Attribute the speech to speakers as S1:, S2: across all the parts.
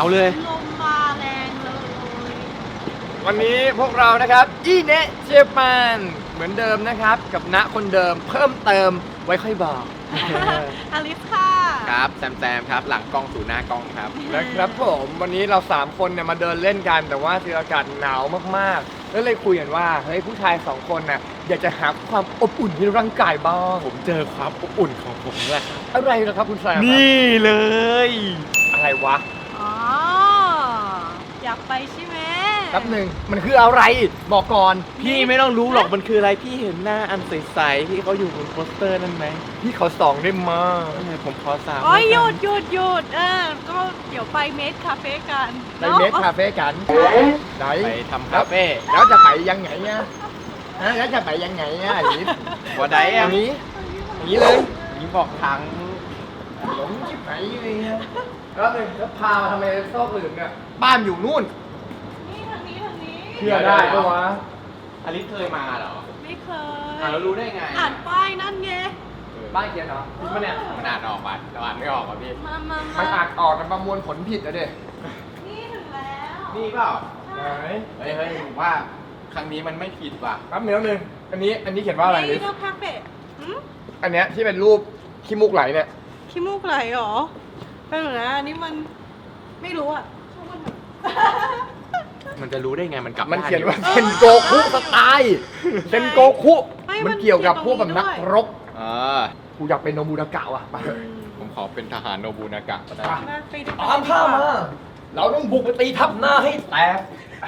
S1: เลย
S2: ลมมาแรงเลย
S3: วันนี้พวกเรานะครับอีเนะเจแปนเหมือนเดิมนะครับกับณคนเดิมเพิ่มเติมไว้ค่อยบอก
S2: อลิสค่ะ
S1: ครับแซมครับหลังกล้องสู่หน้ากล้องครับ
S3: นะครับผมวันนี้เรา3คนเนี่ยมาเดินเล่นกันแต่ว่าที่อากาศหนาวมากๆแล้วเลยคุยกันว่าเฮ้ยผู้ชาย2คนน่ะอยากจะหาความอบอุ่นในร่างกายบ้าง
S1: ผมเจอความอบอุ่นของผมแล้วครับ
S3: อะไรนะครับคุณแซม
S1: นี่เลย
S3: อะไรวะ
S2: อ๋อ อยากไปใช่ไหม
S3: แป๊บหนึ่งมันคืออะไรบอกก่อน
S1: พี่ไม่ต้องรู้หรอกมันคืออะไรพี่เห็นหน้าอันใสๆที่เขาอยู่บนโปสเตอร์นั่นไหม
S3: พี่เขาส่องได้มาก
S1: ผมขอสาม
S2: โอ้ยหยุดก็เดี๋ยวไปเมดคาเฟ่กัน
S3: ไปเมสคาเฟ่กันไหน
S1: ไปทำคาเฟ่
S3: แล้วจะไปยังไงเนี่ยฮะแล้วจะไปยังไงเนี่ยอันนี้
S1: วันใด
S3: อ
S1: อ่ะ
S3: ย่างนี้อย่างนี้เลย
S1: นี่บอกทาง
S3: หลงชิบหายเลยเนี่ยแล้วหนึ่งแล้วพามาทำไมซอกอื่นเนี่ยบ้านอยู่นู่น
S2: นี่ทางนี้
S3: เชื่อได้ปะวะ
S1: อลิสเคยมาเหรอ
S2: ไม่เคย
S1: เรารู้ได้ไง
S2: อ่านป้ายนั่นไง
S3: บ้านเขียนเหรอผิดปะเนี่ย
S1: มันอ่านออกป่ะเราอ่านไม่ออกป่ะพี่
S2: มา
S3: มันอ่านออกมันประมวลผลผิดนะเด็
S2: นี่ถึงแล้ว
S1: นี่เปล่า
S3: ไหน
S1: เฮ้ยผมว่าครั้งนี้มันไม่ผิดว่ะ
S3: แป๊บนึงอันนี้เขียนว่าอะไร
S2: นี่
S3: ดิ
S2: ก็คาเฟ่หืม
S3: อันเนี้ยที่เป็นรูปขี้มูกไหลเนี่ย
S2: ขี้มูกไหลเหรอเป็นหนูนะอันนี้มันไม่รู้อ่ะช่างมันเถอะ
S1: มันจะรู้ได้ไงมันกลับ
S3: มัน
S1: บ้
S3: เขียนว่า
S2: เออ
S3: เซนโกคุสไตล์เซนโกคุ
S2: ไม่มั
S3: มัน
S2: น
S3: เกี่ยวกับ
S2: เขียน
S3: พวกแบบนัก
S2: ตรงนี้ด้วย
S3: รบ
S1: อ่า
S3: กูอยากเป็นโนบูนากะว่ะไปเถอะ
S1: ผมขอเป็นทหารโนบุนากะก็ได้
S2: มาไปดูกัน
S3: ตามข้ามา เราต้องบุกไปตีทัพหน้าให้แตก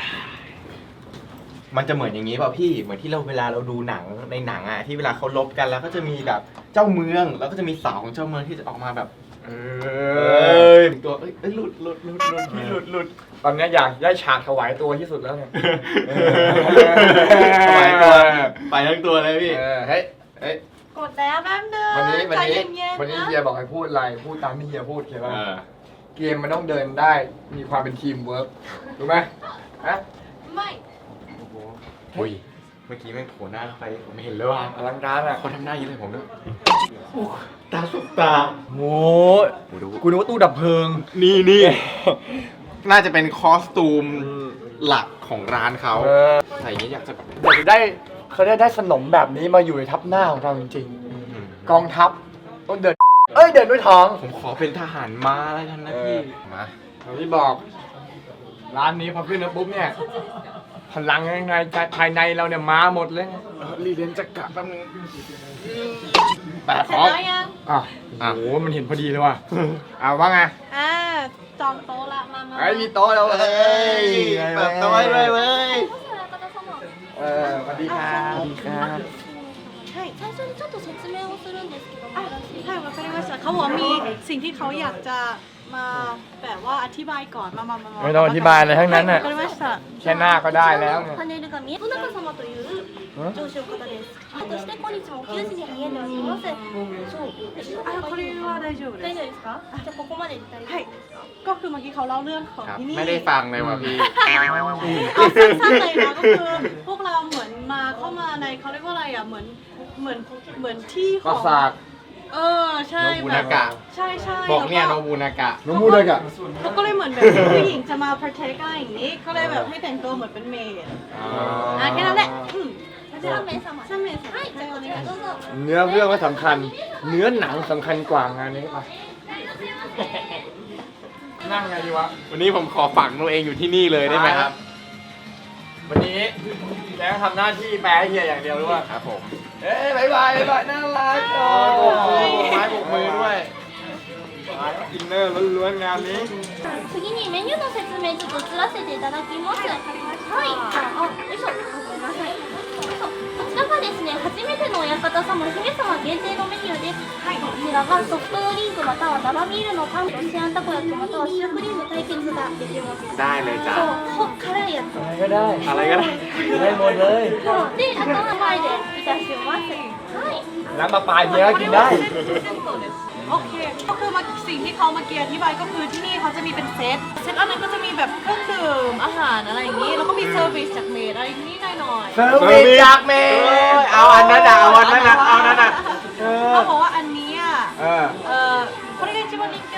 S1: มันจะเหมือนอย่างนี้เปล่าพี่ เหมือนที่เราเวลาเราดูหนังในหนังอะที่เวลาเขาลบกันแล้วก็จะมีแบบเจ้าเมือง แล้วก็จะมีสาวของเจ้าเมืองที่จะออกมาแบบ
S3: เอ
S1: ตัวหลุดพี่หลุด
S3: ตอนเนี้ยอยากได้ฉากถวายตัวที่สุดแล้วเนี่ย
S1: ไปทั้งตัวเลยพี่
S3: เฮ้ย
S2: กดแล้วแป๊บนึง
S3: วันนี้
S2: ใจเย็นๆ
S3: วันนี้
S2: นะ
S3: เฮียบอกให้พูดอะไร พูดตามที่เฮียพูดเขียนว่า
S1: เออ
S3: เกมมันต้องเดินได้มีความเป็นทีมเวิร์กรู้ไหมฮะ
S2: ไม่
S1: อุ้ย เมื่อกี้แม่งโผล่หน้าเข้าไปผมเห็นเลยว่า
S3: อลังการอ่ะ
S1: เขาทำหน้าอย่างนี้เลยผมด้วยตาสุกตา
S3: โง่กูนึกว่าตู้ดับเพลิง
S1: นี่น่าจะเป็นคอสตูมหลักของร้านเขา
S3: เออ
S1: ใส่อย่างนี้อยากจะ
S3: อยากจะได้เขาได้สนมแบบนี้มาอยู่ในทัพหน้าของเราจริงๆ กองทัพต้องเดิน เดินด้วยท้อง
S1: ผมขอเป็นทหารม้าแล้วกันนะพี่ มา
S3: อย่างที่บอก ร้านนี้พอขึ้นมาปุ๊บเนี่ยพลังในภายในเราเนี่ยมาหมดเลย
S1: รีเรียนจักระแป๊บนึง
S3: แต่ข
S2: เสร็จ
S3: อ
S2: แล้วยัง
S3: อ่ะโอ้โหมันเห็นพอดีเลยว่ะว่าไง
S2: จองโต๊ะละมา
S3: ไอ้มีโต๊ะแล้วเว้ย
S1: เปิดตัวไว้เลยเว้ย
S3: สวัสดีครับสวัสดีครับ
S4: 最初にちょっと説明をするんですけども、よろしいです
S2: ใช่
S4: か
S2: มาเป็นว่าเขาบอกว่ามีสิ่งที่เขาอยากจะมาแบบว่าอธิบายก่อนมา
S3: ไม่ต้องอธิบายอะไรทั้งนั้นน่ะ
S2: わかりました
S3: แค่หน้าก็ได้แล้วเนี่ย
S4: パネルが見え、野中様という上司の方です。そして今日も9時に見えております。そう。
S2: あこれは大丈夫です
S4: 大丈夫ですか？じゃあここまで大丈夫
S2: はいก็คือเมื่อกี้เขาเล่าเรื่องของ
S1: ครับ
S2: ที่นี่
S1: ไม่ได้ฟังเลยว่ะพี่
S2: เอาสั้นๆเลยนะก็คือพวกเราเหมือนมาเข้ามาในเขาเรียกว่าอะไรอ่ะเหมือนที่ข
S3: ปรา
S2: อง
S3: สาท
S2: ใช่
S1: โนบุนากะ
S2: ใช่ใช่
S1: บอกเนี่ยโน
S2: แล้ว
S1: บุนากะ
S3: น้องมูดเลยกะ
S2: เขาก็เลยเหมือนแบบผู้หญิงจะมา protect อะไรอย่างนี้ก็เลยแบบให้แต่งตัวเหมือนเป็นเมดแค่นั้นแหละ
S4: 3名様。
S2: ใช่ไหม
S4: はい、じゃあお願いどうぞ。
S3: เนื้อเรื่องก็สำคัญ เนื้อหนังสำคัญกว่างานนี้ไปนั่งไงดีวะ
S1: วันนี้ผมขอฝังตัวเองอยู่ที่นี่เลยได้ไหมครับ
S3: วันนี้แล้วทำหน้าที่แปลให้เฮียอย่างเดียวรู้ป่ะ
S1: ครับผม
S3: บ๊ายบายน่ารัก
S1: โบกมือโบกไม้โบกมือด้วย
S3: อินเนอร์ล้วนๆงานนี้
S4: 次にメニューの説明ちょっと移らせていただきます。はい。よいしょ。ごめんなさい。よいしょ。こちらがですね、初めてのお館様、姫様限定のメニューです。はい。こちらがソフトドリンクまたは生ビールのパン、ロシアンたこ焼きまたはシュークリーム対決ができます。
S1: ได้เลยจ้ะ
S4: そう、辛いやつ。
S3: อะไรก็ได้
S1: อะไรก็ได้
S3: ได้หมดเลย
S4: そうで、あとは前でいたします。はい。
S3: น้ำปลาปลายเฮียก็กินได้
S2: โอเคก็คือมาสิ่งที่เขามาเกียร์อธิบายก็คือที่นี่เขาจะมีเป็นเซตอันนั้นก็จะมีแบบเครื่องดื่มอาหารอะไรอย่างนี้แล้วก็มีเซอร์วิสจากเมดอะไรอย่างนี้หน่อย
S3: เซอร์วิสจากเมย์
S1: เอาอันนั้นอ่ะเอาอันนั้นอ่ะเอาอันนั้นอ่ะ
S2: เขาบอกว่าอันนี้
S3: เออ
S2: これが一番人気あるのです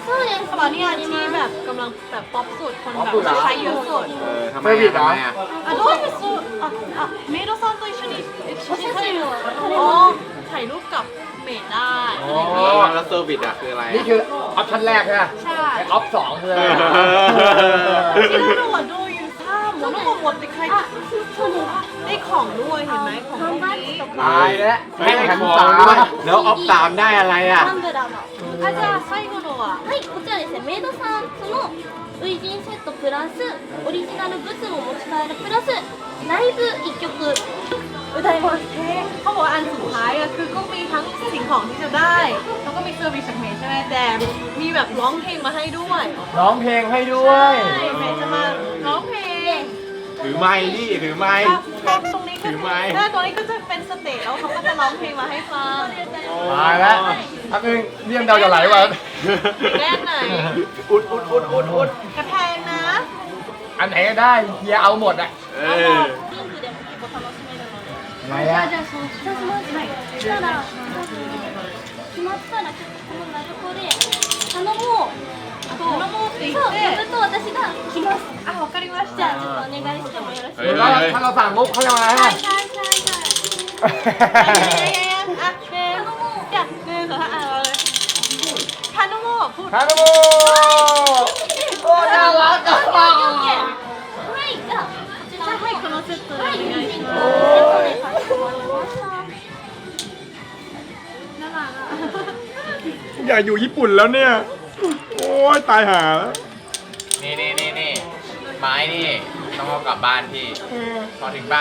S4: そうです
S2: ตอนนี้ที่แบบกำลังแบบป๊อปสุดคนแบบใช้เยอะสุด
S1: ทำไมอ่ะทำไมอ่ะ
S2: あどういうそうメイドさんと一緒に写真撮れるอ๋อถ่ายรูปกับเมดได้อะไรอย่างงี้
S1: แล้วเซอร์วิสอ่ะคืออะไร
S3: นี่คือออปชั่นแรกใช่ไหม
S2: ใช่
S3: ไอออปสองคืออะไร
S2: ที่เราดูดูอยู่ถ้าหมดต้องหมดไปใครได้ของด้วยเห็นไหมของพวกนี้
S3: ตายแล้ว
S1: ไม่ได้ของด้วยแล้วออฟสามได้อะไรอ่ะ
S4: タンブラーの
S2: อาจารย์最後のは
S4: はいこちらですねメイドさんその初陣セットプラスオリジナルグッズも持ち帰るプラスライブ1曲歌います
S2: เขาบอกว่าอันสุดท้ายอะคือก็มีทั้งสิ่งของที่จะได้แล้วก็มีเซอร์วิสจากเมย์ใช่ไหมแต่มีแบบร้องเพลงมาให้ด้วย
S3: ร้องเพลงให้ด้วย
S2: ใช่เมย์จะมาร้องเพลง
S1: ถือไม้ดิถือไม้
S2: ตรงนี้ก็
S1: ถือไม้
S2: ใช่ตรงนี้ก็จะเป็นสเตจแล้วเขาก็จะร้องเพลงมาให้ฟัง
S3: ตายแล้วอันนึงเลี่ยมเดาจะไหลว่ะ
S2: แก้ไหน
S1: อุด
S2: กระแพงนะ
S3: อันไหนก็ได้เฮียเอาหมดอ่ะ
S1: เออ
S4: リンクでも結構楽しめるので
S3: ไหนอ่ะ
S4: じゃあそうしますはいそしたら決まったらちょっとこの鳴子で頼もう
S2: 頼もうって言
S4: そう
S2: って
S4: 呼ぶと私が来ます
S2: あわかりまし
S4: じゃあ
S2: た
S4: ちょっとお願いしてもよろしい
S3: หรือว่าถ้าเราสั่งมุกเขาจะมาให้
S4: はいはいはいはい
S2: อ่ะเนมจ้ะเนมเหรออ่ะเอาเลยทานโมพูด
S3: ฮานุโมโอ้น่ารักอ่ะ
S4: はいじゃあこちらの
S2: はいこのセットでお
S4: はい
S2: 願いしま
S4: セットでかしこまりました
S2: น่ารักอ่ะ
S1: อยากอยู่ญี่ปุ่นแล้วเนี่ย โอ้ยตายหาแล้ว นี่ไม้นี่ต้องเอากลับบ้านพี่ พอถึงบ้าน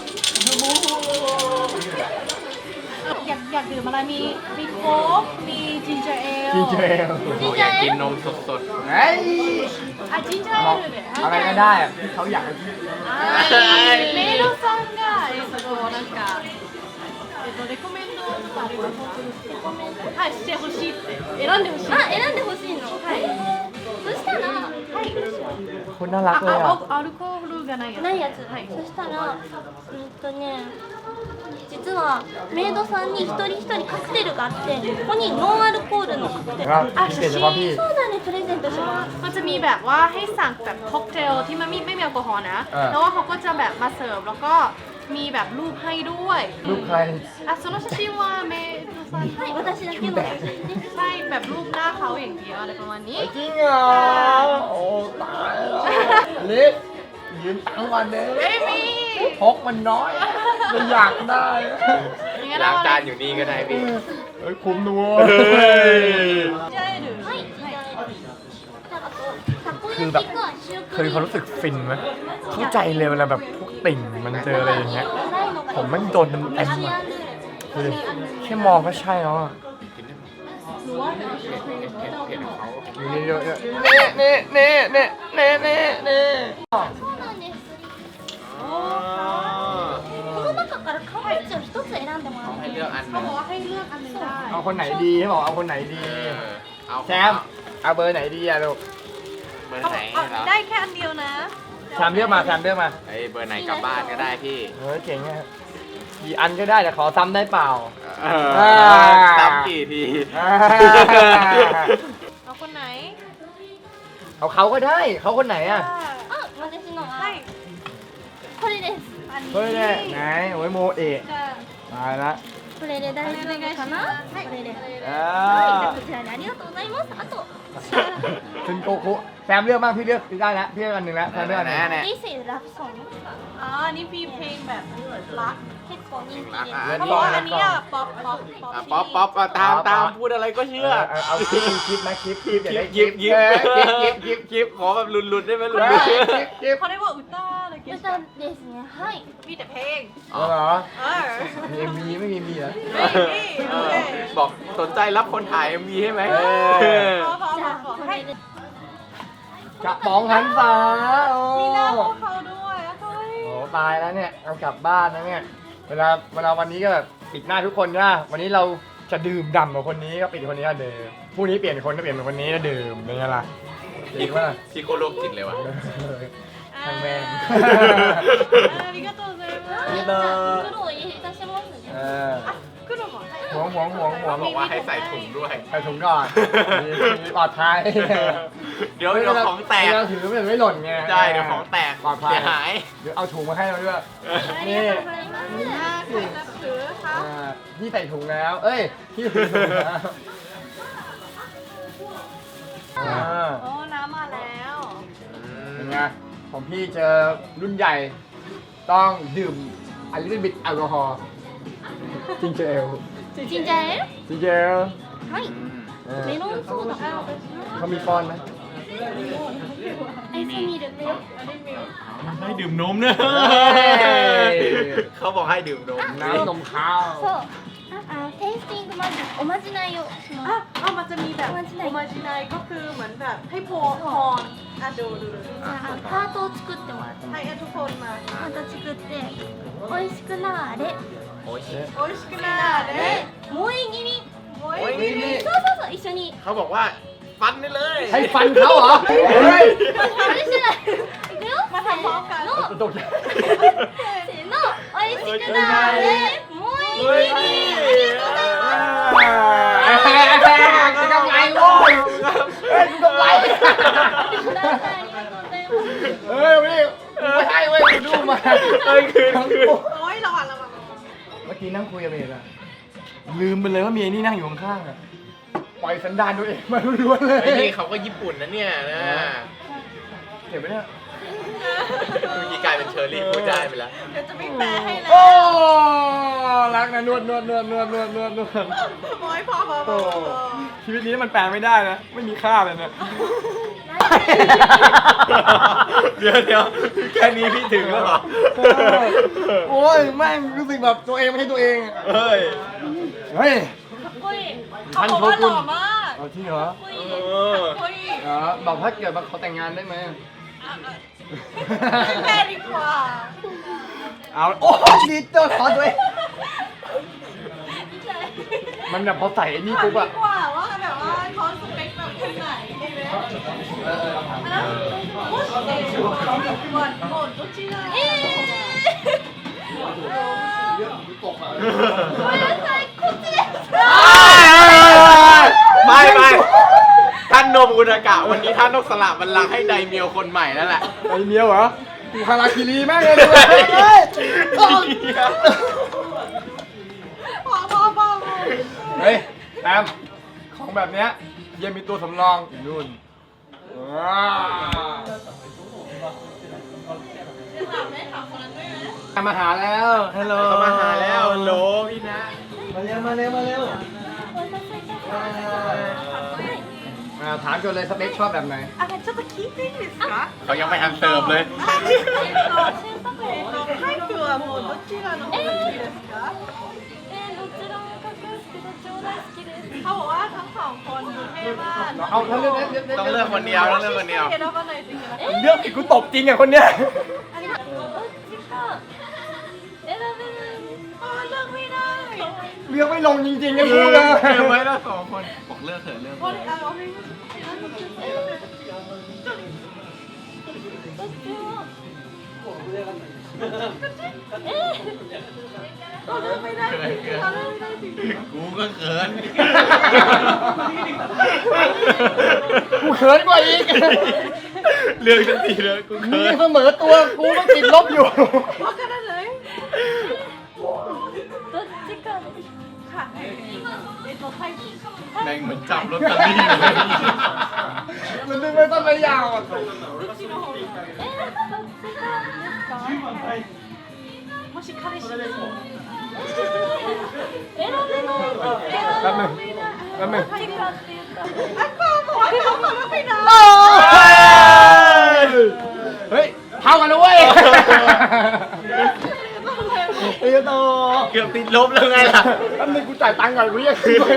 S2: อยากดื่มอะไรมีโค้กมีจินเจอร์เอล
S3: ดีเจ
S1: อยากกินนมสด
S3: เฮ้ย
S2: อ่ะจินเจอร์เอลเนี่ย
S3: อะไรก็ได้อะที่เขาอยากให้กิน
S2: メイドさんがなんかレコメンドとかありますはいしてほしいって選んでほしい
S4: あ選んでほしいのはいそしたらはい
S3: คนน่ารักเลยอ่ะ
S2: アルコールがないやつ
S4: ないやつ、
S2: はい
S4: そしたら実はメイドさんに一人一人カクテルがあってここにノンアルコールのカクテル
S3: ครับพิเศษเฉพาะพี่
S4: そうだねプレゼントします
S2: มันจะมีแบบว่าให้สั่งแบบค็อกเทลที่มันไม่มีแอลกอฮอล์นะ แล้วว่าเขาก็จะแบบมาเสิร์ฟแล้วก็มีแบบรูปให้ด้วย
S3: ลูกใคร
S2: อ่ะその写真はメイドさん
S4: はい私だけの写真です
S2: ใช่แบบรูปหน้าเขาอย่างเดียวอะไรประมาณนี้
S3: จริงเหรอโอ้ตายแล้วลิศยืมตังค์ก่อนเด้
S2: ไม่มี
S3: พกมันน้อยไม่อยากได้
S2: อย่างงั้น
S1: ล้าง
S2: เรา
S1: จานอยู่นี่ก็ได้พี่
S3: เฮ้ยคุ้มนัว
S2: ジャエル
S4: はいあとタコ焼
S3: คือแบบ
S4: きかシュー
S3: เค
S4: ク
S3: ย
S4: リー
S3: เขา
S4: ム
S3: รู้สึกฟินไหมเข้าใจเลยเวลาแบบพวกติ่งมันเจออะไรอย่างเงี้ย ผมไม่โดนเต็ม
S4: ア
S3: ๆ
S4: シ
S3: อ่ะ
S4: アンルーレ
S3: คือแค่มองก็ใช่แล้วอ่ะ
S2: หรือว่า
S3: นี่เยอะๆนี่
S4: そうなんですこの中から顔文字を一つ選んでもらって
S1: ให้
S4: いい
S1: เลือกอัน
S2: เขา
S1: นึ
S2: บอง กว่าให้เลือกอันหนึงได้
S3: เอาคนไหนดีเขาบอกเอาคนไหนดี
S1: เอา
S3: แชมป์เอาเบอร์ไหนดีอะลูก
S1: เบอร์
S2: เขา
S1: ไหน
S2: บอก
S1: เหรอ
S2: ได้แค่อันเดียวนะ
S3: แชมป์เลือกมาแชมป์เลือกมา
S1: ไอ้เบอร์ไหนกลับบ้านก็ได้พี่
S3: เฮ้ยเก่งอะกี่อันก็ได้แต่ขอซ้ำได้เปล่า
S1: ซ้ำกี่ที
S2: เอาคนไหน
S3: เอาเขาก็ได้เขาคนไหนอะ
S4: あ私の
S2: ใช่
S4: はこれです
S2: อันนี้
S3: เฮ้ยเนี่ยไหนโอ้ยโมเอะ
S2: จะ
S3: ตายละ
S4: これで大丈夫かなこれで
S3: อ่า
S4: はいじゃあこちらにありがとうございますあと
S3: คุณโกคุแซมเลือกบ้างพี่เลือกได้แล้วพี่เลือกอันหนึ่งแล้วแซมเลือกอันหนึ่ง
S1: แน่
S4: 人生ラブソング
S2: อ๋ออันนี้มีเพลงแบบรัก
S4: 結構人気で
S2: เขาบอกว่าอันนี้อะป๊อป
S1: ป๊อปตามพูดอะไรก็เชื่อ
S3: เอาคลิปนะคลิปอย่าได้
S1: ยิบ
S3: คลิป
S1: ขอแบบลุนๆได้ไหมลุน
S3: คลิป
S2: เขาเรียกว่าอุต้าอะไรเงี้ย
S4: 歌ですねはい
S2: มีแต่เพลง
S3: อ๋อเหรอ
S2: เออ
S3: มี MV ไม่มี MV เหรอ
S1: บอกสนใจรับคนถ่าย MV ให้ไหม
S4: じゃあこれで
S3: กระป๋องหันษาโอ้
S2: มีหน้าพวกเขาด้วยเฮ้ย
S3: โหตายแล้วเนี่ยเอากลับบ้านนะเนี่ยเวลาวันนี้ก็แบบปิดหน้าทุกคนนะวันนี้เราจะดื่มด่ำกับคนนี้ก็ปิดคนนี้ก็ดื่มพรุ่งนี้เปลี่ยนคนก็เปลี่ยนเป็นคนนี้ก็ดื่มเป็นไงล่ะจริงป่ะ
S1: พี่โคโรคจิตเลยว่ะ
S3: ทางแม่ง
S2: ありがとうございます
S3: ありがとう
S4: 袋を入れいたしますね
S3: เออ
S2: 黒も
S4: うん
S3: ห่วง
S1: เขาบอกว่าให้ใส่ถุงด้วย
S3: ใส่ถุงก่อนมีปลอดภัย
S1: เดี๋ยวของแตก
S3: เราถือมันไม่หล่นไง
S1: ได้เดี๋ยวของแตก
S3: ปลอดภัย
S1: เสียหาย
S3: เดี๋ยวเอาถุงมาให้เราด้วย
S4: ありがとうございます
S2: ใครนับถือคะ
S3: พี่ใส่ถุงแล้ว เอ้ยพี่ใส่ถุงแล้ว
S2: โอ้น้ำมาแล้ว
S3: เป็นไงของพี่เจอรุ่นใหญ่ ต้องดื่มอันลิตบิดแอลกอฮอล์จิงเจล
S4: ジンジャーエール
S3: จิงเจล
S4: はいメロンソーダ
S3: เขามีป้อนไหม
S4: アイスミルク
S1: ให้ดื่มนมนะเขาบอกให้ดื่มนม
S3: น้ำนมข้าว
S4: そうテイスティングおまじないをしま
S2: อ่ะ
S4: す
S2: เอามันจะมีแบบโอมาจิไนก็คือเหมือนแบบให้พรอ่ะดู
S4: じゃあハートを作ってもらって
S2: ให้ทุกคนมา
S4: ハート作って美味しくなーれ
S1: โอ้ย
S2: โอ้ยชิคนาเด้
S4: 萌え気味
S2: โอ้ย
S1: โอ้ย
S4: そう一緒に
S1: เขาบอกว่าฟันได้เลย
S3: ให้ฟันเขาเหรอ เฮ้ย
S4: あれしてないいくよ
S2: มาทำพร้อมกัน
S4: せーの
S3: ตกใจ
S4: せーの美味しくなーれ萌え
S1: เฮ้ย
S4: 気味
S1: นี่
S4: ありがとうございます
S3: กูกำไรโว้ยเฮ้ยกูกำไร
S4: ありがとうございます
S3: เฮ้ยพี่กูไม่ให้เว้ยกูดูมา
S1: เฮ้ยคืน
S2: โอ้ยระวัง
S3: เมื่อกี้นั่งคุยกับเมย์อะลืมไปเลยว่าเมียนี่นั่งอยู่ข้างๆอะปล่อยสันดานตัวเองมาล้วนๆเลย
S1: ไอ้นี่เขาก็ญี่ปุ่นนะเนี่ยนะ
S3: เก็บไว้เนี่ย
S1: เมื่อกี้กลายเป็นเชอรี่พูดได้ไปแล้ว
S2: เดี๋ยวจะมีแปลให้แล้ว
S3: โอ้รักนะนวด
S2: โอ้ยพอ
S3: โอ้ชีวิตนี้มันแปลไม่ได้นะ ไม่มีค่าเลยนะ
S1: เดี๋ยวแค่นี้พี่ถึงแล้วเหรอ
S3: โอ้ยแม่งรู้สึกแบบตัวเองไม่ใช่ตัวเองอะ
S1: เฮ้ย
S3: เฮ้ย
S2: かっこいいเขาบอกว่าหล่อมาก
S3: เอาที่เหรอ
S1: เออ
S2: かっこいい
S3: เหรอบอกถ้าเกิดมาขอแต่งงานได้ไหม
S2: แม่ดีกว่า
S3: เอาโอ้ดีเจอขอตัวเองมันแบบพอใส่ไอ้นี่ปุ๊บอะ
S2: ดีกว่าว่าแบบว่าเขาสเปคแบบคนไหนใช่ไหมもしもうどちら
S4: ごめんなさいこっちです
S1: ไม่ท่านโนบุนากะวันนี้ท่านต้องสละบัลลังก์ให้ไดเมียวคนใหม่นั่นแหละ
S3: ไอ้เมียวเหรอกูคาราคิรีแม่งเลยดูเฮ้ย
S2: พอ
S3: เฮ้ยแอมของแบบเนี้ยยังมีตัวสำรองอยู่นู่นมาหาแล้วฮัลโหล
S1: เขามาหาแล้วโหลพี่นะ
S3: มาเร็ว
S4: お待たせいたしました
S3: ถามก่อนเลยสเปคชอบแบบไหน
S2: あちょっと聞いていいですか
S1: เขายังไม่ทันเสิร์ฟเลย
S2: タイプはもうどちらの方が好きですか
S4: どちらもかっこよくてどっちも大好きです
S2: เขาบอกว่าทั้งสองคนดูเท่มาก
S3: เอาถ้าเลือก
S1: ต้องเลือกคนเดียวต้องเลือกคนเดียว
S2: 選ばないといけない
S3: เลือกอีกกูตบจริงอ่ะคนเนี้ย
S4: どっちか選べない
S2: เลือกไม่ได้
S3: เลือกไม่ลงจริงๆนะพูดเลย
S1: เก็บไว้แล้วสองคนบอกเลือกเถอะเลือก
S2: これ
S4: どっちも
S2: เลือกไม่ได้จริงๆเลือกไม่ได้จริง
S1: กูก็เขิน
S3: กูเขินกว่าอีก
S1: เลือกทันทีเลยกู
S3: มึ
S1: เขิ
S3: ง
S1: น
S3: ยังเสมอตัวกูต้องติดลบอยู่
S2: わからない
S4: どっちかです
S2: ค่ะタイプ
S1: แม่งเหมือนจับลอตเตอรี่เลย
S3: มันดึงไม่ต้นไม่ยาวอ่ะ
S2: どっちの方が
S4: どっちからですか
S2: もし彼氏です
S4: 選べない
S3: แป๊บนึงแป๊บนึง
S4: どっちかって言ったら
S2: あก็บอกว่าเขาเลือกไม่ได้
S3: เฮ้ยเท่ากันนะเว้ยเอ้ยโต
S1: เกือบติดลบแล้วไงล่ะ
S3: แป๊บนึงกูจ่ายตังค์ก่อนกูอยากคืนไป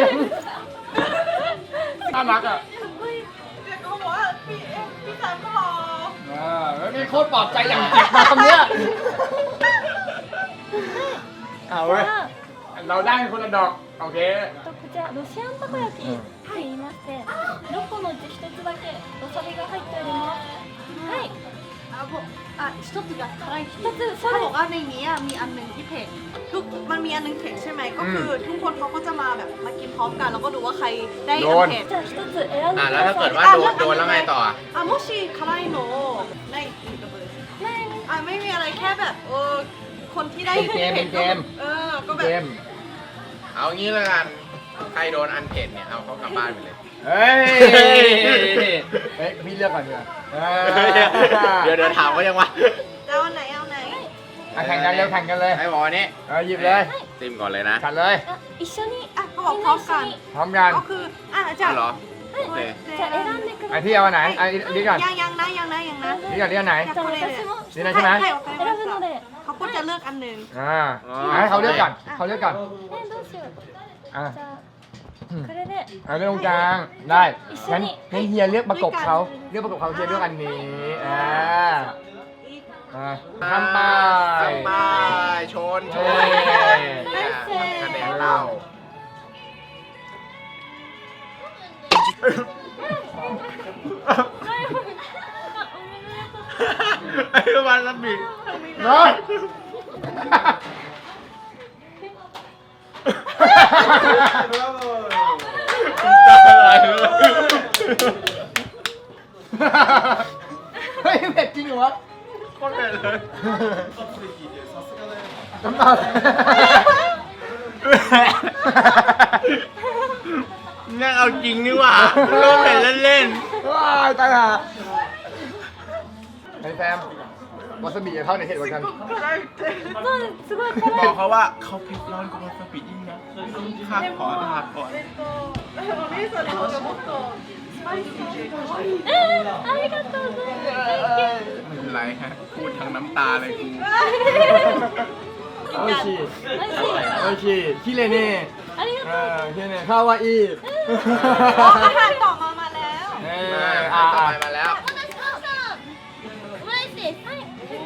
S3: น่ารักอ่ะ
S2: เขาบอกว่าพี่สามก็รอ
S3: แล้วมีโคตรปลอบใจอย่างเจ็บมาคำเนี้ยเอาเว้ยเราได้คนละดอกโอเค
S4: こちらロシアンたこ焼きと言いまして6個のうち1つだけわさびが入っておりますはい
S2: บอก一つが辛い一つเขาบอกว่าในนี้มีอันหนึ่งที่เผ็ดมันมีอันหนึงเผ็ดใช่ไหมก็คือทุกคนเขาก็จะมาแบบมากินพร้อมกันแล้วก็ดูว่าใครได้อันเผ็ด
S4: じゃあ一つ選んでく
S1: แล้ว
S4: だ
S1: ถ้า
S4: さ
S1: เกิ
S4: い
S1: ดว่าโดนแล้วไงต่ออ่ะ
S2: もし辛いのないっていうことですไม่มีอะไรแค่แบบคนที่ได้
S3: เป็นเกม
S2: ก็แบบ
S3: เกม
S1: เอางี้แล้วกัน ใครโดนอันเผ็ดเนี่ย เอาเขากลับบ้านไปเลย
S3: เฮ้ยพี่เลือกก่อนดีกว่า
S1: เดี๋ยวถามว่ายังวะ
S2: เอาไหนเอาไหน
S3: แข่งกันเร็วแข่งกันเลย
S1: ไอ้บอนี่
S3: หยิบเลย
S1: ซิมก่อนเลยนะ
S3: ขัดเลย
S4: あ一緒に
S2: เขาบอกพร้อมกัน
S3: พร้อมกัน
S2: ก็คือจะ
S1: เอาเหรอ โอเค
S4: じゃあ選んでく
S3: ไอ
S4: ださい
S3: ที่เอาอันไหนไอนี่ก่อน
S2: ยังนะนี่
S3: นี่ก่อนนี่อันไหน
S4: じゃあ私も
S3: นี่นะใช่ไหม
S4: 選ぶので
S2: เขาก็จะเลือกอันหนึ่ง
S3: ให้เขาเลือกก่อนเขาเลือกก่อน
S4: どうしよう
S3: อ่ะ
S4: じゃあこれで
S3: เอาเลือกตรงกลางได้งั้นเฮียเลือกประกบเขาเลือกประกบเขาเฮียเลือกอันนี้ทำไป
S1: ทำไปชนคะแนนเรา ไอ้วันละบี
S3: น้อยเฮ้ยเผ็ดจริงเหรอวะ
S1: โคตรเผ็ดเลย
S3: น้ำตา
S1: เนี่ยเอาจริงนี่หว่าโดนเผ็ดเล่น
S3: ว้ายตายห่าไอ้แซมวาซาบิจะเข้าในเห็ดกว่ากัน
S4: すごい
S1: ๆบอกเขาว่าเขาเผ็ดร้อนกว่าวาซาบิยิ่งนะข้าขอลาก่อน
S4: ありがとうございます
S1: ไม่เป็นไรฮะ พูดทั้งน้ำตาเลยกู
S3: โอชิ
S4: 美味しい
S3: โอชิคิเลเน่
S4: ありがとう
S3: คิเลเน่คาวาอิ
S2: อาหารต่อมาแล้ว
S1: มาต่อไปมาแล้ว
S4: 私どうぞオムライスですはい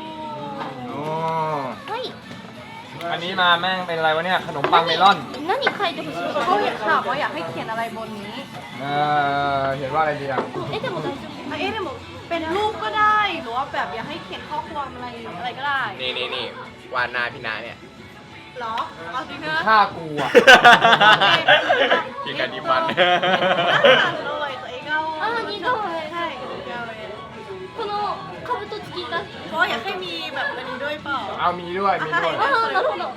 S4: はい
S3: อันนี้มาแม่งเป็นอะไรวะเนี่ย ขนมปังเมลอน
S4: 何書いてほしい
S2: เขาอยากถามว่าอยากให้เขียนอะไรบนนี้
S3: เห็นว่าอะไรดีอ่ะ
S4: 絵でも大丈夫
S2: เดี๋ยวเป็นรูปก็ได้หรือว่าแบบอยากให้เขียนข้อความอะไรก็ได้
S1: นี่วานหนาพี่นาเนี่ย
S2: หรอเอาจริงนะ
S3: ฆ่ากูอ่ะ
S1: กินกันดีมัน
S2: เลยตัวเองเอา
S4: あー似顔絵
S2: ใช่
S4: この兜付きが
S2: เพราะอยากให้มีแบบอันนี้ด้วยเปล่า
S3: เอามีด้วยมีด้วย
S4: ああなるほど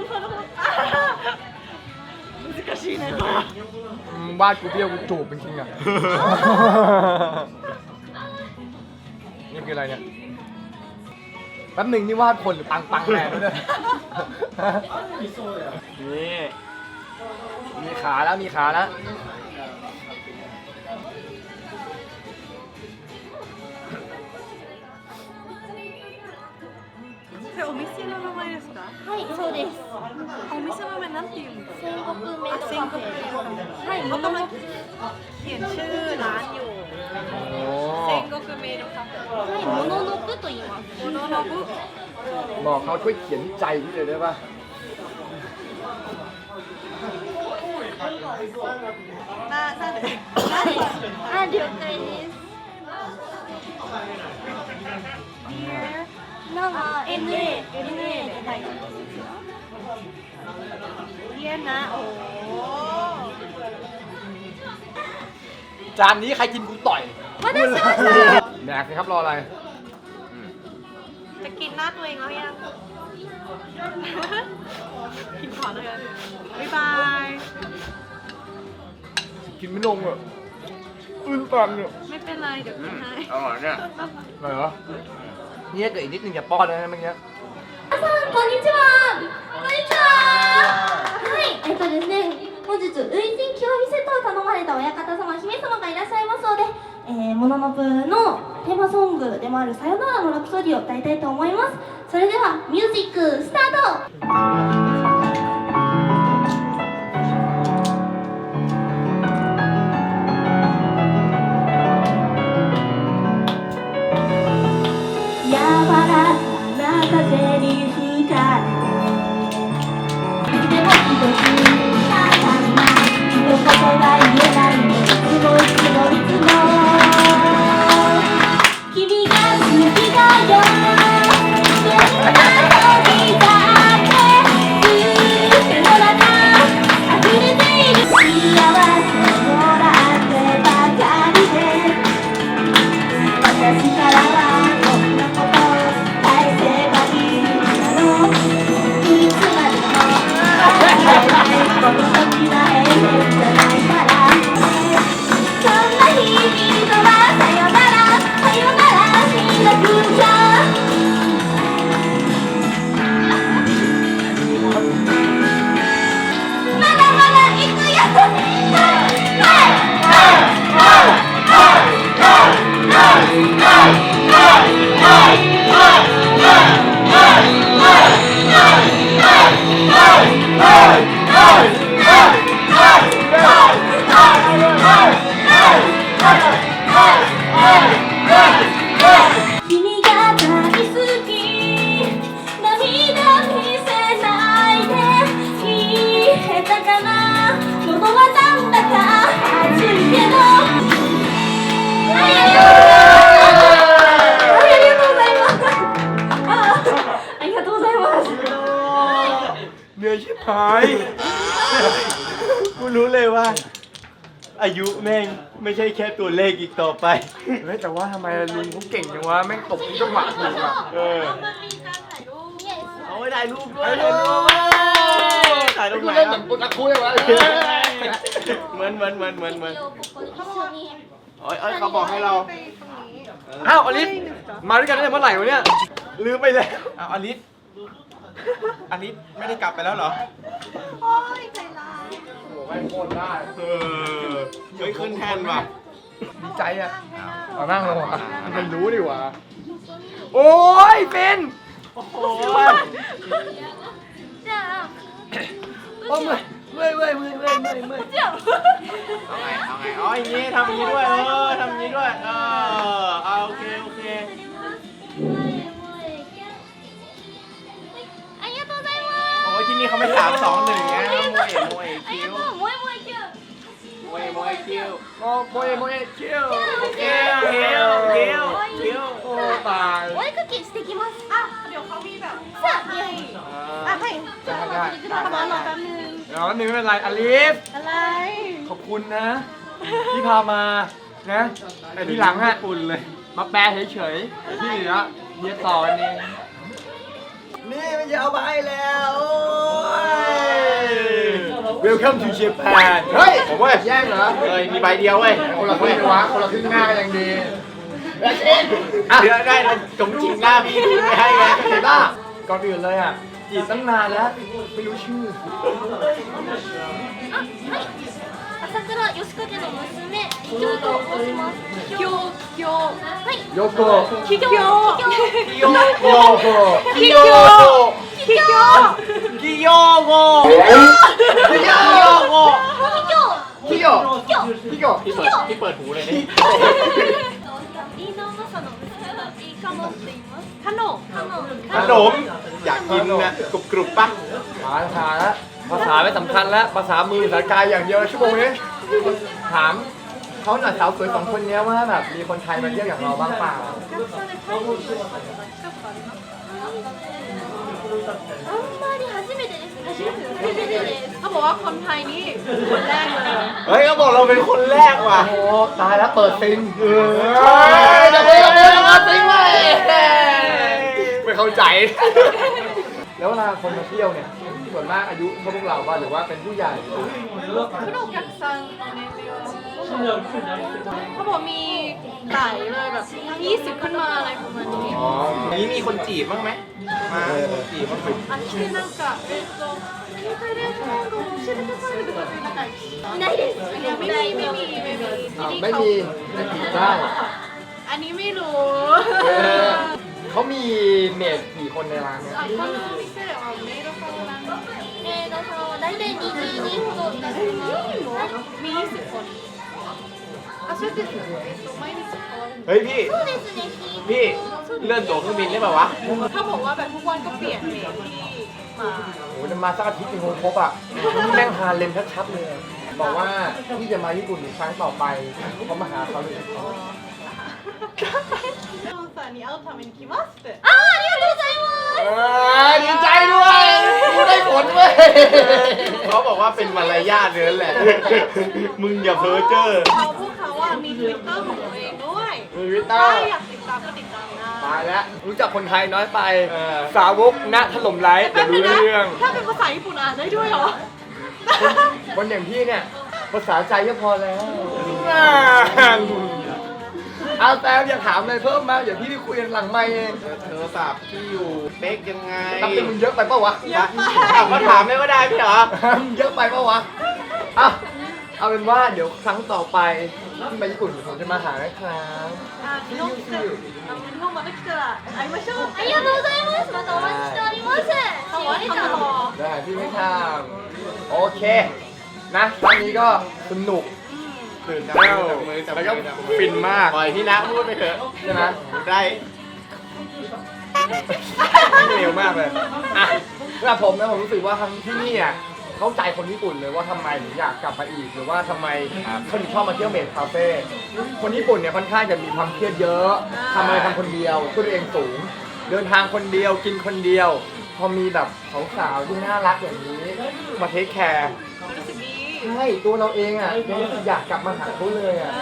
S2: 難しいね
S3: วาดกูเบี้ยวกูจูบเป็นจริงอ่ะ นี่คืออะไรเนี่ย แป๊บหนึ่งนี่วาดคนหรือปังแมนด้วยนี่ มีขาแล้วมีขาแล้ว
S2: それお店の名前ですか
S4: はいそうです
S2: お店の名前なんていうんですか
S4: 戦国メイドカフェはい
S2: เขากำลังเขียนชื่อร้านอยู่
S3: โอ้
S2: เซงโกคุเมโดคาเฟ่
S4: はいモノノブと言います
S2: โมโนโนบุ
S3: บอกเขาช่วยเขียนใจพี่เลยได้ป่ะ
S2: หน้าเด็ก
S4: あ了解ですなんか NA で書いてあるんですよ
S2: เยี่ยนนะโอ้
S3: จานนี้ใครกินกูต่อย
S4: 私はさ
S3: แดกสิครับรออะไร
S2: จะกินหน้าตัวเองแล้วยัง กินก่อนเลยบ๊ายบาย
S3: กินไม่ลงอ่ะอื้นตันอ่ะ
S2: ไม่เป็นไรเดี๋ยวกินให้
S1: อร่อยเนี่ย
S3: อะไรเหรอเนี่ยเกิดอีกนิดนึงอย่าป้อนนะเมื่อกี้
S4: こんにちはこんにちははいですね本日類人極みセットを頼まれた親方様姫様がいらっしゃいますのでモノノブのテーマソングでもあるさよならのラプソディを歌いたいと思いますそれではミュージックスタート柔らかな風に吹かれていつでも一つただいま一言が言えないのいつも君が好きだよ
S5: กูรู้เลยว่า อายุแม่งไม่ใช่แค่ตัวเลขอีกต่อไป
S3: เฮ้ยแต่ว่าทำไมลุงเขาเก่งจังวะแม่งตบทุกจังหวะถูกอ่ะ
S5: เอาไว้ถ่ายรูปด้วยถ่ายรูป
S3: กู
S5: ไหน
S3: เล่นเหมือนปุตตะคุยวะ
S5: เหมือน
S4: 一緒に
S1: เอ้ยเขาบอกให้เรา
S2: ไปตรงนี้
S3: อ้าวอลิสมาด้วยกันตั้งแต่เมื่อไหร่วะเนี่ยลืมไปแล้ว
S1: เอาอลิสไม่ได้กลับไปแล้วเหรอ
S2: โอ้ยใจร้าย
S3: โอ้โหไม่งโคตรได้
S1: เฮ้ยขึ้นแทนว่ะ
S3: ดีใจอ่ะ
S2: ให้นั่ง
S3: เอานั่งลงอ่ะมันรู้ดิวะโอ้ยเป็น
S5: โอ้โห
S4: じゃあ
S3: โอ้ยเมื่อย
S1: เอาไงอ๋ออย่างงี้ทำอย่างงี้ด้วยทำอย่างงี้ด้วยเอาโอเค
S4: ありがとうございま
S1: โอ้ยที่นี่เขาไม่3-2-1ไงโมเอ
S4: すあり
S1: คิว
S4: がとうもえもえキュー
S1: โมเอคิว
S3: โอ้โมเอคิว
S1: คิว
S3: โอ้ตาย
S4: お絵かきしてきます
S2: อ่ะเดี๋ยวเขามีแบบ
S4: さあいやいや
S2: อ่ะให้
S4: じゃあお待ちくだ
S2: ทำมารอ
S4: さ
S2: แป๊
S4: い
S2: บนึง
S3: เดี๋ยวนึงไม่เป็นไรอลิส
S2: อะไร
S3: ขอบคุณนะ ที่พามานะแต่ทีหลังอ่ะอุ่นเลย มาแปลเฉยๆที่เหลือเฮียต่อเองนี่ไม่จะเอาไปแล้วโอ้ย Welcome to Japan เฮ้ยผมว่าแย่งเหรอ
S1: เฮ้ยมีใบเดียวเว้ย
S3: คนละครึ่งวะคนละครึ่งหน้าก็ยังดีแล้วเองอ่ะ
S1: เดี๋ยวได้แล้วจงจริงหน้าพี่ดูไม่ให้ไง
S3: เห็นป่ะก่อนอื่นเลยอ่ะจีบตั้งนานแล้วไม่รู้ชื่อ
S4: あはい朝倉義景の娘京と申します
S2: คิวคิว
S4: はい
S3: โยโกะ
S2: คิโย
S1: กิโยโก
S3: โยโกะ
S2: คิโยคิโย
S1: กิโยโก
S3: พี่โย
S1: โก
S3: พี่โยพี่โย
S1: ที่เปิดหูเลยนี่
S4: 飯野正の娘のいいかもって言います
S2: ขนม
S1: ขนมอยากกินนะกรุบป่ะ
S3: ภาษาแล้วภาษาไม่สำคัญแล้วภาษามือภาษากายอย่างเดียวชั่วโมงนี้ถามเขาหน่อยสาวสวย2คนนี้ว่าแบบมีคนไทยมาเที่ยวอย่างเราบ้างเปล่า
S4: あんまり初めてです初めてです
S2: เขาบอกว่าคนไทยนี่คนแรกเลย
S1: เฮ้ยเขาบอกเราเป็นคนแรกว่ะ
S3: โอ้ตายแล้วเปิดซิงเออ
S1: เดี๋ยวมาซิงเลย
S3: ไม่เข้าใจ แล้วเวลาคนมาเที่ยวเนี่ยส่วนมากอายุเท่าพวกเราป่ะหรือว่าเป็นผู้ใหญ่
S2: คุโรกักซังเขาบอกมีหลายเลยแบบ20ขึ้นมาอะไรประมาณนี้
S1: อ๋อนี้มีคนจีบบ้างไหมมาคนจีบบ้างไหม
S2: あ来てなんか携帯電話番号教えてくださいとかってなんか
S4: いないです
S2: いやไม่มีที่นี่
S3: ไม่
S2: เขา
S3: มีแต่จีบได้
S2: อันนี้ไม่รู้
S3: เขามีเมดกี่คนในร้านเนี่ย
S2: あこのお店ではメイドさんなんか
S4: メイドさんは大体20人ほどいらっしゃいます
S2: มี20คนあそれって毎日変わるんだ
S1: เฮ้ยพี่
S4: そうですね
S1: พี่เลื่อนตั๋วเครื่องบินได้ป่าวะ
S2: ถ้าบอกว่าแบบทุกวันก็เปลี่ยนเมดที่มา
S3: โอ้โหจะมาสักอาทิตย์นึงคงครบอ่ะนี่แม่งฮาเลมชัดๆเลย บอกว่าที่จะมาญี่ปุ่นอีกครั้งต่อไปเขามาหาเขาเลย
S2: コンサーに会うために来ますって
S4: あありがとうございます
S3: ดีใจด้วยกูได้ผลเว้ย
S1: เขาบอกว่าเป็นมารยาทเนื้อแหละ มึงอย่าเพ้อเจ้อ
S2: พวกเขาอะมีทวิตเตอร์ของตัวเองด้วย
S3: มีวิตเตอ
S2: ถ้า
S3: ร์
S2: อยากติดตามก็ติดตามได้
S3: ตายแล้วรู้จักคนไทยน้อยไป สาวกณถล่มไลฟ์เดี๋ยวรู้เรื่อง
S2: ถ้าเป็นภาษาญี่ปุ่นอ่านได้ด้วยเหรอ
S3: คนอย่างพี่เนี่ยภาษาใจก็พอแล้วเอาแต่อย่าถามอะไรเพิ่มมาเดี๋ยวพี่ไปคุยกันหลังไมค์เอง
S1: โทรศัพท์ที่อยู่เป๊กยังไง
S3: นับเป็นมึงเยอะไปปะวะ
S1: มาถามไม่ก็ได้พี่เหรอ
S3: มึงเยอะไปปะวะเอาเป็นว่าเดี๋ยวครั้งต่อไปที่ไปญี่ปุ่นผมจะมาหานะครับ
S2: 日本来たら日本また来たら会いましょう
S4: ありがとうございますまたお待ちしております
S2: เขาบอกว่าทำรอ
S3: ได้พี่ไม่ทำโอเคนะครั้งนี้ก็สนุก
S1: ตื่น
S3: แล้
S1: เต้น
S3: ว
S1: จับมือจับ
S3: แล้วก็
S1: มือ
S3: ฟินมาก
S1: ปล่อยพี่นะพูดไปเถอะ
S3: ใช่ไหม
S1: ได้
S3: เร็วมากเลยอ่ะสำหรับผมนะผมรู้สึกว่าทั้งที่นี่อ่ะเข้าใจคนญี่ปุ่นเลยว่าทำไมถึงอยากกลับมาอีกหรือว่าทำไมเขาถึงชอบมาเที่ยวเมดคาเฟ่คนญี่ปุ่นเนี่ยค่อนข้างจะมีความเครียดเยอะทำอะไรทำคนเดียวตัวเองสูง เดินทางคนเดียวกินคนเดียวพอมีแบบสาวๆที่น่ารักอย่างนี้มาเทคแคร์
S2: รู้สึกดี
S3: ใช่ตัวเราเองอ่ะยังรู้สึกอยากกลับมาหาเขาเลยอ่ะ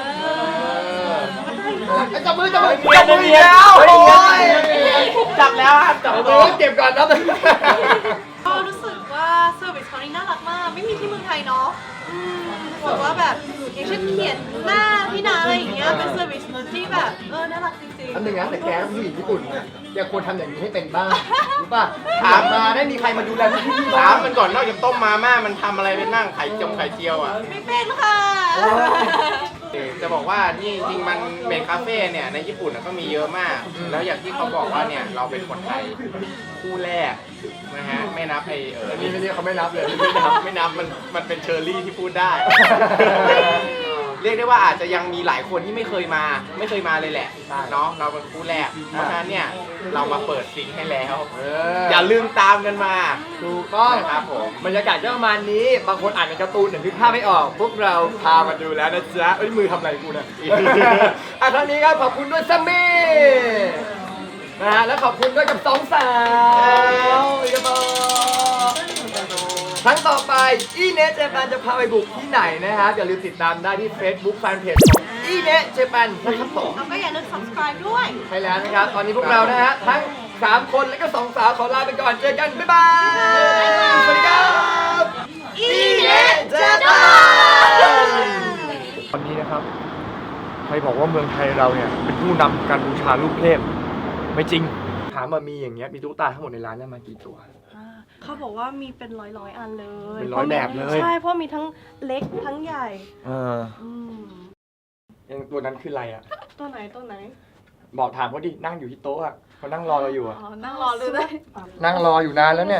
S3: จับมืออีกแล้วโอ้ย
S5: จับแล้วครับจับ
S3: จับ
S5: ตัว
S3: มือเก็บก่อนนะ
S2: ก็รู้สึกว่าเซอร์วิสเขานี่น่ารักมาก ไม่มีที่เมืองไทยเนาะรู้สึกว่าแบบอย่างเช่นเขียนหน้าพี่นาอะไรอย่างเงี้ยเป็นเซอร์วิสที่แบบน่ารักจริง
S3: อันหนึ่งนะแต่แกเป็นผู้หญิงญี่ปุ่นนะแกควรทำอย่างนี้ให้เป็นบ้างรู้ป่ะถามมาได้มีใครมาดูแลพี่
S1: ถามมันก่อนนอกจากต้มมาม่ามันทำอะไรไปนั่งไข่เจียวอ่ะ
S2: ๆไม่เป็นค่ะ
S1: จะบอกว่านี่จริงๆมันเมดคาเฟ่เนี่ยในญี่ปุ่นก็มีเยอะมาก แล้วอย่างที่เขาบอกว่าเนี่ยเราเป็นคนไทยคู่แรกนะฮะไม่นับ
S3: อันนี้ไม่เรียกเขาไม่นับเลย
S1: ไม่นับมันเป็นเชอร์รี่ที่พูดได้ เรียกได้ว่าอาจจะยังมีหลายคนที่ไม่เคยมาเลยแหละเนาะเราเป็นคู่แรกเพราะฉะนั้นเนี่ยเรามาเปิดซิงค์ให้แล้วอย่าลืมตามกันมา
S3: ถูกต้อง
S1: นะครับผม
S3: บรรยากาศก็ประมาณนี้บางคนอ่านในการ์ตูนแต่นึกภาพไม่ออก พวกเราพามาดูแล้วนะจ๊ะเอ้ยมือทำอะไรกูนะ ครั้งนี้ครับขอบคุณด้วยซัมมี่นะฮะแล้วขอบคุณด้วยกับสองสาวอีกต่อครั้งต่อไปอีเนสเจแปนจะพาไปบุกที่ไหนนะครับอย่าลืมติดตามได้ที่ Facebook Fanpage ของอีเนสเจแปนนะครับผม
S2: แล้วก็อย่าลืม subscribe ด้วย
S3: ใช่แล้วนะครับ ตอนนี้พวกเรานะฮะ ทั้ง 3 คนและก็ 2 สาวขอลาไปก่อน เจอกัน บ๊ายบาย สวัสดีครับอีเนเจแปนวันนี้นะครับ ใครบอกว่าเมืองไทยเราเนี่ย เป็นผู้นำการบูชาลูกเทพไม่จริง ถามมามีอย่างเงี้ย มีตุ๊กตาทั้งหมดในร้านเนี่ยมากี่ตัว
S2: เขาบอกว่ามีเป็นร้อยอันเลย
S3: เป็นร้อยแบบเลย
S2: ใช่เพราะมีทั้งเล็กทั้งใหญ่ อืม
S3: ยังตัวนั้นคืออะไรอ่ะ
S2: ตัวไหนตัวไหน
S3: บอกถามเขาดิ นั่งอยู่ที่โต๊ะอ่ะเขานั่งรอเราอยู่อ่ะ
S2: อ๋อนั่งรอเลยได้
S3: นั่งรออยู่นานแล้วเนี่ย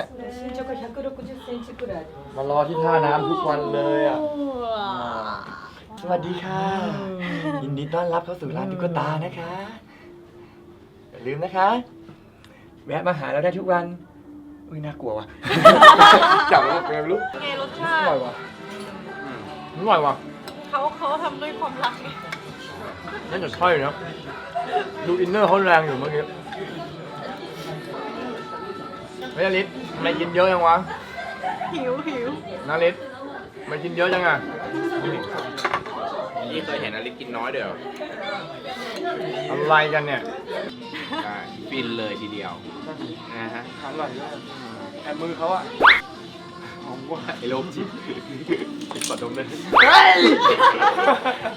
S3: มารอที่ท่าน้ำทุกวันเลยอ่ะ สวัสดีค่ะ ยินดีต้อนรับเข้าสู่ร้านตุ๊กตานะคะ อย่าลืมนะคะ แวะมาหาเราได้ทุกวัน อุ้ยน่ากลัวว่ะ จับแล้วเป็นไงไม่รู้
S2: ไงรสชา
S3: อ
S2: ติ
S3: ร่อยว่ะอร่อยว่ะ
S2: เขาทำด้วยความรักไง
S3: น่าจะใช่นะดูอินเนอร์เขาแรงอยู่เมื่อกี้เฮ้ยอลิศทำไมกินเยอะจังวะ
S2: หิว
S3: นาลิศทำไมกินเยอะจังอ่ะ
S1: นี่เคยเห็นอลิซกินน้อยเดี๋ยว
S3: อะไรกันเนี่ย
S1: ฟินเลยทีเดียวนะฮะ
S3: อร่อยด้วยแอบมือเขาอะ
S1: หอมว่าไอ้โลมจิตกดดมเลย
S3: เฮ้ย